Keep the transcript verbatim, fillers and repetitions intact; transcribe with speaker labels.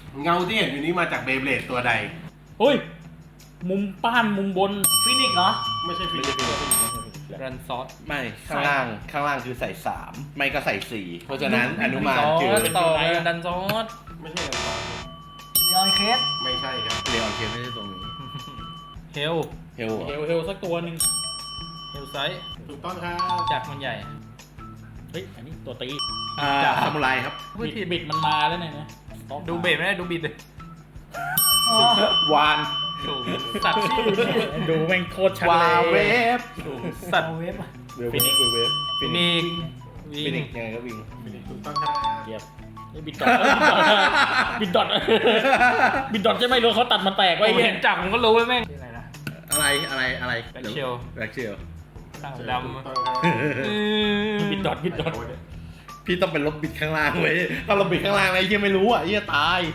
Speaker 1: เงาที่เห็นอยู่นี้มาจากเบย์เบลดตัวใด
Speaker 2: เฮ้ยมุมป้านมุมบน
Speaker 3: ฟินิกเหรอ
Speaker 1: ไม่ใช่ฟิลิปปินส์
Speaker 4: รันซอส
Speaker 5: ไม่ข้างล่างข้างล่างคือใส่สามไม่ก็ใส่สี่เพราะฉะนั้นอนุมาน
Speaker 4: ซอ
Speaker 5: คือ
Speaker 4: สต่อไปดันซอส
Speaker 1: ไม่ใช่กันต่อ
Speaker 3: เลออนเคส
Speaker 1: ไม่ใช่ครับ
Speaker 5: เรออนเคไม่ใช่ตรงนี้
Speaker 4: เฮล
Speaker 5: เฮล
Speaker 2: เฮลเฮลสักตัวหนึ่ง
Speaker 4: เฮลไซส์
Speaker 1: ถูกต้องครับ
Speaker 4: จากมันใหญ่
Speaker 2: เฮ้ยอันนี้ตัวตี
Speaker 5: อ่าซามูไรครับ
Speaker 4: พูด
Speaker 2: บิด
Speaker 4: ผิด
Speaker 2: บิดมันมาแล้วเนี่ยนะ
Speaker 4: ดูเบรไม่ได้ดูบิดเลย
Speaker 3: อ๋อ
Speaker 5: วาน
Speaker 4: ถูกสัตว์
Speaker 2: ดูแม่งโคตรชัด
Speaker 5: วา
Speaker 2: เลย
Speaker 5: เวฟ
Speaker 4: ถูกสัตว์
Speaker 3: เอาเว็บ
Speaker 2: ฟินิก
Speaker 5: เวฟ
Speaker 4: ฟินิก
Speaker 5: ฟินิกยังไงก็วิ่ง
Speaker 1: ถูกต้องครับ
Speaker 2: เกียบไอ้บิดดอทบิดดอทบิดดอทใช่ไหมรู้เขาตัดมันแตก
Speaker 4: ไว้
Speaker 2: ไว้
Speaker 4: เห็นจับผมก็รู้ว่าแม่งอะไรนะ
Speaker 5: อะไรอะไรอะไร
Speaker 4: แบ็คเชล
Speaker 5: แบ็คเชล
Speaker 4: ตั้ง
Speaker 1: ถูก
Speaker 4: ด
Speaker 1: ต้องครับ
Speaker 4: ำ
Speaker 2: บิดดอทบิดดอท
Speaker 5: พี่ต้องเป็นลบบิดข้างล่างเว้ยถ้าเราบิดข้างล่างไอ้เหี้ยไม่รู้อ่ะไอ้เหี้ยตาย